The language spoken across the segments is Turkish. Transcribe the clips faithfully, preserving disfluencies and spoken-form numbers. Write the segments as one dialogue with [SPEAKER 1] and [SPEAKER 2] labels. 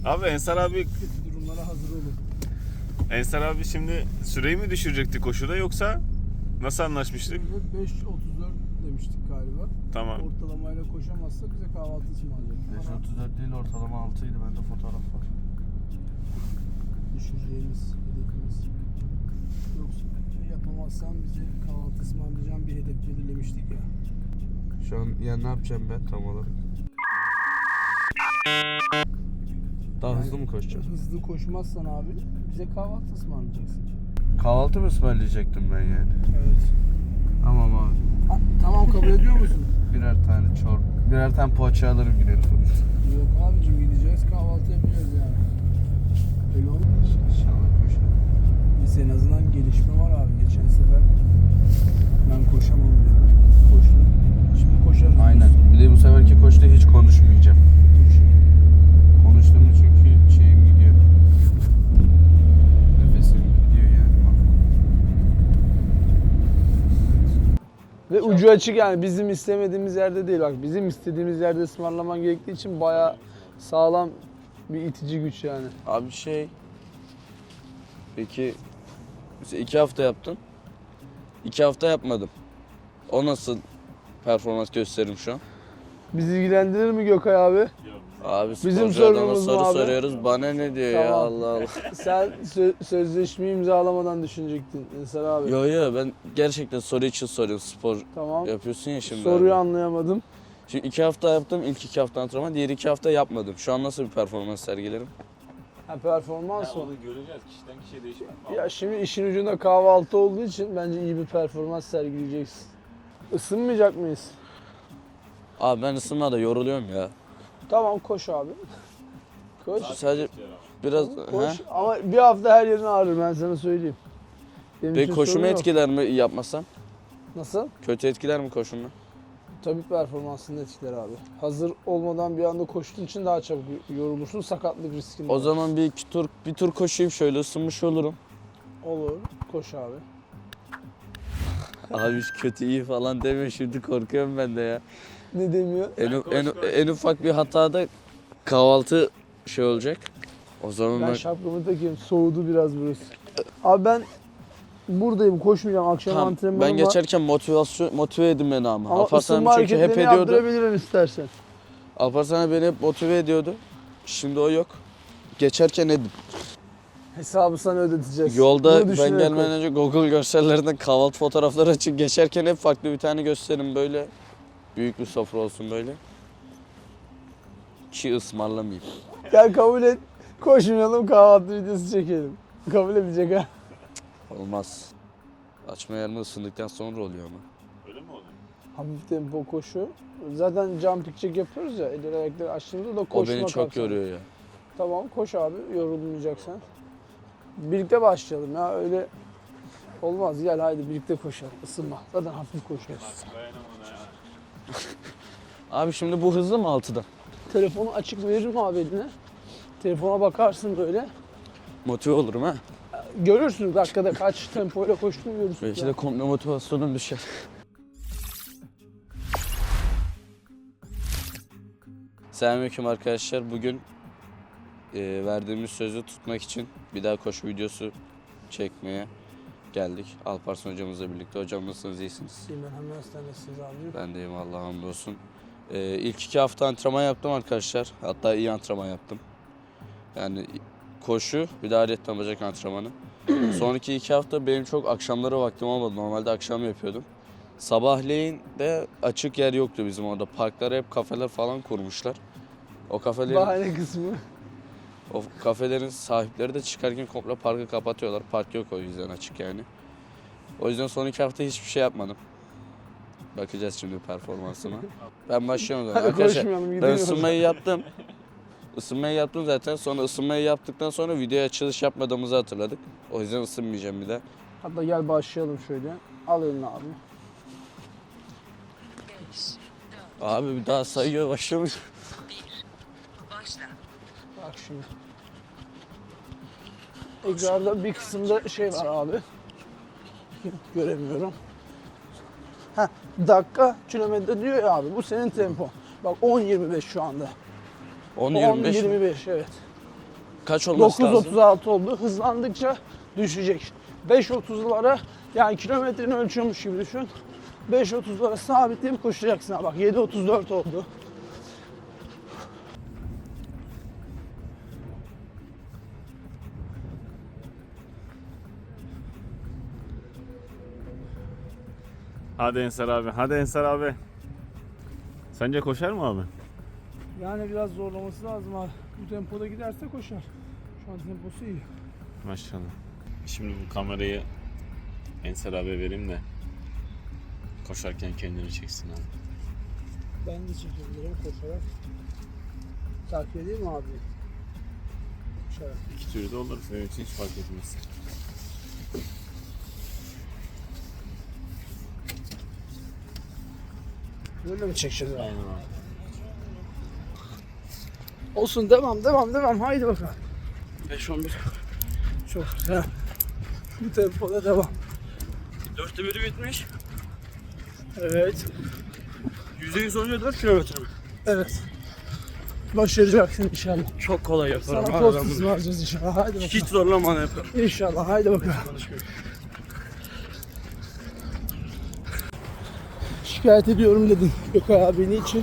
[SPEAKER 1] Abi Ensar abi...
[SPEAKER 2] Kötü durumlara hazır olun.
[SPEAKER 1] Ensar abi şimdi süreyi mi düşürecekti koşuda yoksa nasıl anlaşmıştık?
[SPEAKER 2] beş otuz dört demiştik galiba.
[SPEAKER 1] Tamam.
[SPEAKER 2] Ortalamayla koşamazsa bize kahvaltı ısmarlayacak.
[SPEAKER 3] beş otuz dört değil, ortalama altıydı. Bende fotoğraf var.
[SPEAKER 2] Düşüreceğimiz hedefimiz. Yoksa yapamazsan bize kahvaltı ısmarlayacağım bir hedef belirlemiştik ya.
[SPEAKER 3] Şu an ya ne yapacağım ben tam olarak? Daha
[SPEAKER 2] Yani
[SPEAKER 3] hızlı mı koşacağım?
[SPEAKER 2] Hızlı koşmazsan abi bize kahvaltı ısmarlayacaksın.
[SPEAKER 3] Kahvaltı mı ısmarlayacaktım ben yani?
[SPEAKER 2] Evet.
[SPEAKER 3] Tamam abi.
[SPEAKER 2] Ha, tamam kabul ediyor musun?
[SPEAKER 3] Birer tane çor, birer tane poğaça alırım giderim.
[SPEAKER 2] Yok abicim gideceğiz kahvaltı yapacağız yani. Öyle olmuyor.
[SPEAKER 3] İnşallah koşarım.
[SPEAKER 2] Biz en azından gelişme var abi. Geçen sefer ben koşamam diyordum. Koştum. Şimdi koşarız.
[SPEAKER 3] Aynen. Bir de bu seferki koşta hiç konuşmayacağım. Konuştuğumda çünkü şeyim gidiyor. Nefesim gidiyor yani.
[SPEAKER 2] Ve ucu açık yani bizim istemediğimiz yerde değil. Bak bizim istediğimiz yerde ısmarlaman gerektiği için bayağı sağlam bir itici güç yani.
[SPEAKER 4] Abi şey... Peki... Mesela iki hafta yaptın. İki hafta yapmadım. O nasıl performans gösterim şu an?
[SPEAKER 2] Bizi ilgilendirir mi Gökay abi?
[SPEAKER 4] Abi
[SPEAKER 2] Bizim
[SPEAKER 4] sporcu adama
[SPEAKER 2] sorunumuz
[SPEAKER 4] soru
[SPEAKER 2] mu abi?
[SPEAKER 4] soruyoruz. Bana ne diyor ya
[SPEAKER 2] Tamam.
[SPEAKER 4] Allah Allah.
[SPEAKER 2] Sen sö- sözleşmeyi imzalamadan düşünecektin Ensar abi.
[SPEAKER 4] Yo yo ben gerçekten soru için soruyorum. Spor
[SPEAKER 2] Tamam.
[SPEAKER 4] yapıyorsun ya şimdi.
[SPEAKER 2] Soruyu
[SPEAKER 4] abi.
[SPEAKER 2] anlayamadım.
[SPEAKER 4] Şimdi iki hafta yaptım. İlk iki hafta antrenman. Diğer iki hafta yapmadım. Şu an nasıl bir performans sergilerim?
[SPEAKER 2] Ha, performans mı?
[SPEAKER 1] Onu göreceğiz. Kişiden kişiye değişmez.
[SPEAKER 2] Ya şimdi işin ucunda kahvaltı olduğu için bence iyi bir performans sergileyeceksin. Isınmayacak mıyız?
[SPEAKER 4] Abi ben ısınmada yoruluyorum ya.
[SPEAKER 2] Tamam koş abi. Koş.
[SPEAKER 4] Sadece biraz...
[SPEAKER 2] Koş.
[SPEAKER 4] He?
[SPEAKER 2] Ama bir hafta her yerin ağrır ben sana söyleyeyim. Benim
[SPEAKER 4] Peki
[SPEAKER 2] için
[SPEAKER 4] koşumu
[SPEAKER 2] sorun yok.
[SPEAKER 4] etkiler mi yapmasam?
[SPEAKER 2] Nasıl?
[SPEAKER 4] Kötü etkiler mi koşumu?
[SPEAKER 2] Tabii performansını etkiler abi. Hazır olmadan bir anda koştuğun için daha çabuk yorulursun. Sakatlık riskin
[SPEAKER 4] O
[SPEAKER 2] var.
[SPEAKER 4] zaman bir iki tur bir tur koşayım şöyle ısınmış olurum.
[SPEAKER 2] Olur. Koş abi.
[SPEAKER 4] Abi kötü iyi falan deme şimdi korkuyorum ben de ya.
[SPEAKER 2] Ne demiyor?
[SPEAKER 4] En, en, en ufak bir hatada kahvaltı şey olacak. O zaman
[SPEAKER 2] Ben
[SPEAKER 4] ben,
[SPEAKER 2] şapkamı takayım. Soğudu biraz burası. Abi ben buradayım. Koşmayacağım. Akşam
[SPEAKER 4] tamam,
[SPEAKER 2] antrenmanım
[SPEAKER 4] ben
[SPEAKER 2] var.
[SPEAKER 4] geçerken motivasyon motive edin beni ama.
[SPEAKER 2] Ama
[SPEAKER 4] Alparslan
[SPEAKER 2] ısınma
[SPEAKER 4] çünkü hep
[SPEAKER 2] hareketlerini
[SPEAKER 4] ediyordu.
[SPEAKER 2] yaptırabilirim istersen.
[SPEAKER 4] Alparslan beni hep motive ediyordu. Şimdi o yok. Geçerken edin.
[SPEAKER 2] Hesabı sana ödeteceğiz.
[SPEAKER 4] Yolda
[SPEAKER 2] Bunu
[SPEAKER 4] ben
[SPEAKER 2] düşünerek
[SPEAKER 4] gelmeden
[SPEAKER 2] koş.
[SPEAKER 4] önce Google görsellerinden kahvaltı fotoğrafları açıp geçerken hep farklı bir tane gösterin böyle. Büyük bir sofra olsun böyle. Ki ısmarlamayayım.
[SPEAKER 2] Gel kabul et. Koşmayalım kahvaltı videosu çekelim. Kabul edecek ha.
[SPEAKER 4] Olmaz. Açma yerine ısındıktan sonra oluyor ama.
[SPEAKER 1] Öyle mi oluyor?
[SPEAKER 2] Hafif tempo koşu. Zaten jumping jack yapıyoruz ya. Elleri ayakları açtığımızda da
[SPEAKER 4] O
[SPEAKER 2] koşma
[SPEAKER 4] beni çok
[SPEAKER 2] kapsamı.
[SPEAKER 4] yoruyor ya.
[SPEAKER 2] Tamam koş abi yorulmayacaksan. Birlikte başlayalım ya öyle olmaz. Gel haydi birlikte koşalım. Isınma. Zaten hafif koşuyoruz.
[SPEAKER 1] Dayanamam ona ya.
[SPEAKER 4] Abi şimdi bu hızlı mı altıda?
[SPEAKER 2] Telefonu açık veririm abi eline. Telefona bakarsın böyle.
[SPEAKER 4] Motive olurum ha.
[SPEAKER 2] Görürsün dakikada kaç tempoyla koştuğunu görürsün.
[SPEAKER 4] Belki
[SPEAKER 2] ya.
[SPEAKER 4] de komple motivasyonum düşer. Selamünaleyküm arkadaşlar. Bugün e, verdiğimiz sözü tutmak için bir daha koşu videosu çekmeye geldik. Alparslan hocamızla birlikte. Hocam nasılsınız? İyisiniz?
[SPEAKER 2] İyiyim ben hemen hastanesiniz abicim.
[SPEAKER 4] Ben deyim Allah'a hamdolsun. E, ilk iki hafta antrenman yaptım arkadaşlar. Hatta iyi antrenman yaptım. Yani koşu bir de ayrıca bacak antrenmanı. Sonraki iki hafta benim çok akşamları vaktim olmadı. Normalde akşam yapıyordum. Sabahleyin de açık yer yoktu bizim orada. Parklara hep kafeler falan kurmuşlar. O kafelerin,
[SPEAKER 2] Bahane kısmı.
[SPEAKER 4] o kafelerin sahipleri de çıkarken komple parkı kapatıyorlar. Park yok o yüzden açık yani. O yüzden son iki hafta hiçbir şey yapmadım. Bakacağız şimdi performansıma. Ben başlıyorum zaten.
[SPEAKER 2] Hadi
[SPEAKER 4] Arkadaşlar
[SPEAKER 2] koşmayalım
[SPEAKER 4] ben
[SPEAKER 2] gidelim.
[SPEAKER 4] ısınmayı yaptım. Isınmayı yaptım zaten. Sonra ısınmayı yaptıktan sonra videoya açılış yapmadığımızı hatırladık. O yüzden ısınmayacağım bir de.
[SPEAKER 2] Hatta gel başlayalım şöyle. Al elini abi.
[SPEAKER 4] Abi bir daha sayıyor başlamış.
[SPEAKER 2] Bak şimdi. Ekranda bir kısımda şey var abi. Göremiyorum. Heh, dakika kilometre diyor ya abi. Bu senin tempo. Bak on yirmi beş şu anda.
[SPEAKER 4] on
[SPEAKER 2] on
[SPEAKER 4] yirmi beş mi?
[SPEAKER 2] yirmi beş evet.
[SPEAKER 4] Kaç olması
[SPEAKER 2] dokuz
[SPEAKER 4] lazım?
[SPEAKER 2] otuz altı oldu. Hızlandıkça düşecek. beş otuzlara yani kilometrini ölçüyormuş gibi düşün. beş otuzlara sabitleyip koşacaksın. Ha bak yedi otuz dört oldu.
[SPEAKER 1] Hadi Ensar abi. Hadi Ensar abi. Sence koşar mı abi?
[SPEAKER 2] Yani biraz zorlaması lazım abi. Bu tempoda giderse koşar. Şu an temposu iyi.
[SPEAKER 1] Maşallah. Şimdi bu kamerayı Ensar abi vereyim de koşarken kendini çeksin abi.
[SPEAKER 2] Ben de çekebilirim koşarak. Takip edeyim mi abi? Koşarak.
[SPEAKER 1] İki türlü de olur. Benim için hiç fark etmez.
[SPEAKER 2] Böyle mi çekeceğiz abi?
[SPEAKER 1] Aynen abi.
[SPEAKER 2] Olsun devam devam devam. Haydi bakalım. beş on bir. Çok güzel. Bu tempoda devam.
[SPEAKER 4] Dörtte biri bitmiş.
[SPEAKER 2] Evet.
[SPEAKER 4] yüzde yüz on dört kilometre mi?
[SPEAKER 2] Evet. Başaracaksın inşallah.
[SPEAKER 4] Çok kolay yaparım.
[SPEAKER 2] Sana post ısmarlayacağız inşallah. Haydi bakalım.
[SPEAKER 4] Hiç zorlamadan yaparım.
[SPEAKER 2] İnşallah. Haydi bakalım. Şikayet ediyorum dedin Gökay abi niçin?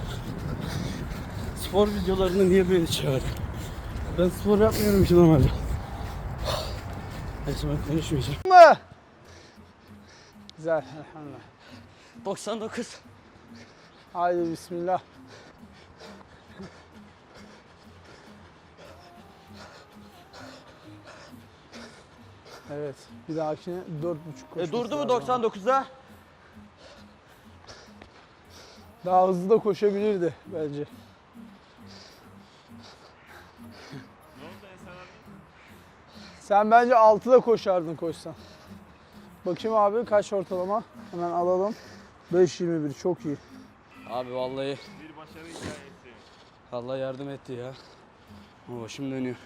[SPEAKER 4] Spor videolarını niye böyle çağırdın? Ben spor yapmıyorum ki normalde.
[SPEAKER 2] Neyse ben konuşmayacağım. Mı? Güzel elhamdülillah.
[SPEAKER 4] doksan dokuz.
[SPEAKER 2] Haydi bismillah. Evet. Bir dahakine dört buçuk koşması
[SPEAKER 4] E durdu mu
[SPEAKER 2] lazım.
[SPEAKER 4] doksan dokuzda?
[SPEAKER 2] Daha hızlı da koşabilirdi bence.
[SPEAKER 1] Ne oldu Ensar abi?
[SPEAKER 2] Sen bence altıda koşardın koşsan. Bakayım abi kaç ortalama? Hemen alalım. beş yirmi bir çok iyi.
[SPEAKER 4] Abi vallahi
[SPEAKER 1] Bir başarı hikayesi.
[SPEAKER 4] Allah yardım etti ya. Ama başım dönüyor.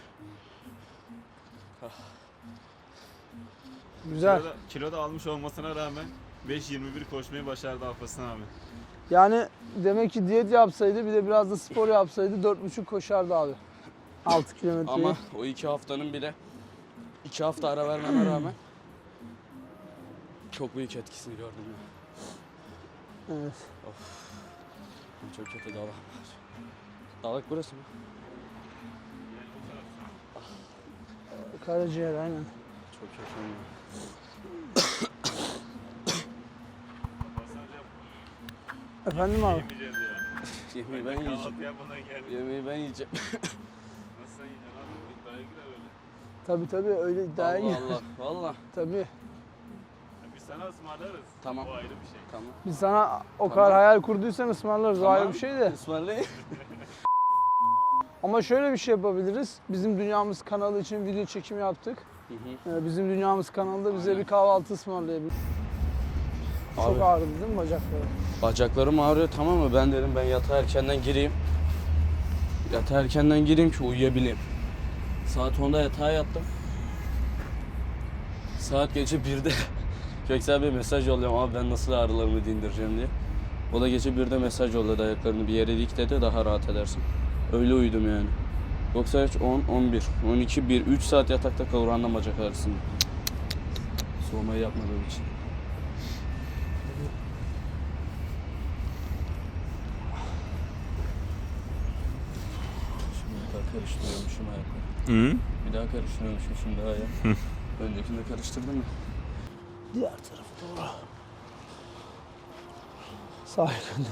[SPEAKER 2] Güzel.
[SPEAKER 1] Kiloda, kiloda almış olmasına rağmen beş yirmi bir koşmayı başardı Alparslan abi.
[SPEAKER 2] Yani demek ki diyet yapsaydı bir de biraz da spor yapsaydı dört buçuk koşardı abi. altı kilometreyi.
[SPEAKER 4] Ama o iki haftanın bile iki hafta ara vermeme rağmen çok büyük etkisini gördüm ya.
[SPEAKER 2] Evet.
[SPEAKER 4] Çok kötü dalak var. Dalak burası mı?
[SPEAKER 2] Karaciğer aynen.
[SPEAKER 4] Çok kötü ya.
[SPEAKER 2] Efendim abi?
[SPEAKER 1] Yemeyeceğiz ya.
[SPEAKER 4] Yemeği ben yiyeceğim.
[SPEAKER 1] Kahvaltı yapmadan geldik.
[SPEAKER 4] Yemeği ben yiyeceğim.
[SPEAKER 1] Nasıl sen yiyeceksin abi? İddiaya girer öyle.
[SPEAKER 2] Tabii tabii öyle iddiaya
[SPEAKER 4] Allah
[SPEAKER 2] gir.
[SPEAKER 4] Allah. Valla.
[SPEAKER 2] Tabii.
[SPEAKER 1] Ya biz sana ısmarlarız.
[SPEAKER 4] Tamam.
[SPEAKER 1] O ayrı bir şey.
[SPEAKER 4] Tamam.
[SPEAKER 2] Biz sana o kadar
[SPEAKER 4] Tamam.
[SPEAKER 2] hayal kurduysan ısmarlarız o ayrı bir şey de.
[SPEAKER 4] Ismarlayın.
[SPEAKER 2] Ama şöyle bir şey yapabiliriz. Bizim Dünyamız kanalı için video çekimi yaptık.
[SPEAKER 4] Hı hı.
[SPEAKER 2] Ee, Bizim Dünyamız kanalında bize bir kahvaltı ısmarlayabilir. Çok
[SPEAKER 4] Abi.
[SPEAKER 2] ağrıdı değil mi bacakları?
[SPEAKER 4] Bacaklarım ağrıyor tamam mı? Ben dedim ben yatağa erkenden gireyim. Yatağa erkenden gireyim ki uyuyabileyim. Saat onda yatağa yattım. Saat gece birde Köksal Bey mesaj yolluyorum abi ben nasıl ağrılarımı dindireceğim diye. O da gece birde mesaj yolladı ayaklarını bir yere dik dedi daha rahat edersin. Öyle uyudum yani. Yoksa hiç on, on bir, on iki, bir, üç saat yatakta kavrandım bacak ağrısını. Soğumayı yapmadığım için. Şimdi bir daha karıştırıyormuşum ayakları.
[SPEAKER 1] Hı?
[SPEAKER 4] Bir daha karıştırıyormuşum şimdi ayağı. Öncekinde karıştırdım mı?
[SPEAKER 2] Diğer tarafa doğru. Sağ yönde.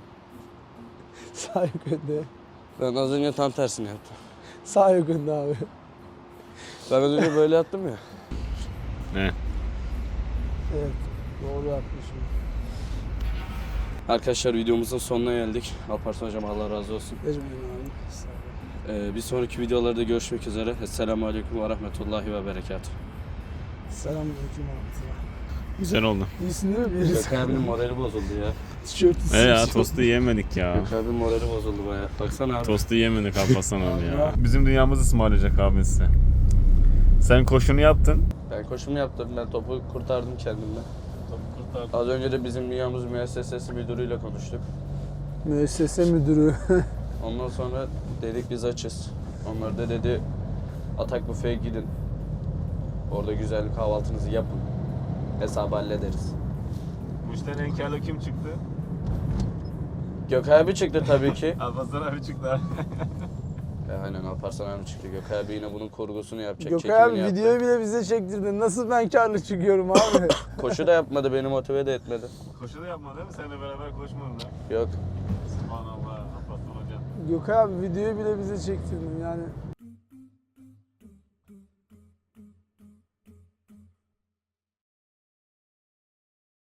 [SPEAKER 2] Sağ yönde.
[SPEAKER 4] Ben az önce tam tersini yaptım.
[SPEAKER 2] Sağ yönde abi.
[SPEAKER 4] Ben az önce böyle yattım ya.
[SPEAKER 1] Ne?
[SPEAKER 2] Evet. Doğru yapmışım.
[SPEAKER 4] Arkadaşlar videomuzun sonuna geldik. Alparslan hocam Allah razı olsun.
[SPEAKER 2] Ecmeyin abi. Sağ olun.
[SPEAKER 4] Ee, bir sonraki videolarda görüşmek üzere. Esselamu Aleyküm ve Rahmetullahi ve Berekatuhu.
[SPEAKER 2] Selamünaleyküm abi.
[SPEAKER 1] Güzel oldu.
[SPEAKER 2] İyisin değil mi? Birisi.
[SPEAKER 4] Gökhan abinin morali bozuldu ya.
[SPEAKER 2] Tişörtü
[SPEAKER 1] E ya
[SPEAKER 2] siyah.
[SPEAKER 1] tostu yemedik ya.
[SPEAKER 4] Gökhan abinin morali bozuldu bayağı. Baksana abi.
[SPEAKER 1] Tostu yemedik Alparslan abi ya. Bizim dünyamızı ısmarlayacak abi size. Sen koşunu yaptın.
[SPEAKER 4] Ben koşumu yaptım. Ben topu kurtardım kendimden. Topu kurtardım. Az önce de bizim dünyamız müessesesi müdürüyle konuştuk.
[SPEAKER 2] Müessese müdürü.
[SPEAKER 4] Ondan sonra dedik biz açız. Onlar da dedi Atak Büfe'ye gidin. Orada güzel bir kahvaltınızı yapın. Hesabı hallederiz.
[SPEAKER 1] Bu işten en karlı kim çıktı?
[SPEAKER 4] Gökay abi çıktı tabii ki.
[SPEAKER 1] Alparslan abi çıktı.
[SPEAKER 4] E, aynen Alparslan abi çıktı. Gökay abi yine bunun kurgusunu yapacak.
[SPEAKER 2] Gökay abi
[SPEAKER 4] çekimini yaptı.
[SPEAKER 2] videoyu bile bize çektirdin. Nasıl ben karlı çıkıyorum abi?
[SPEAKER 4] Koşu da yapmadı, beni motive de etmedi.
[SPEAKER 1] Koşu da yapma değil mi? Seninle beraber koşmadın da.
[SPEAKER 4] Yok.
[SPEAKER 1] Subhanallah. Alparslan hocam.
[SPEAKER 2] Gökay abi videoyu bile bize çektirdin yani.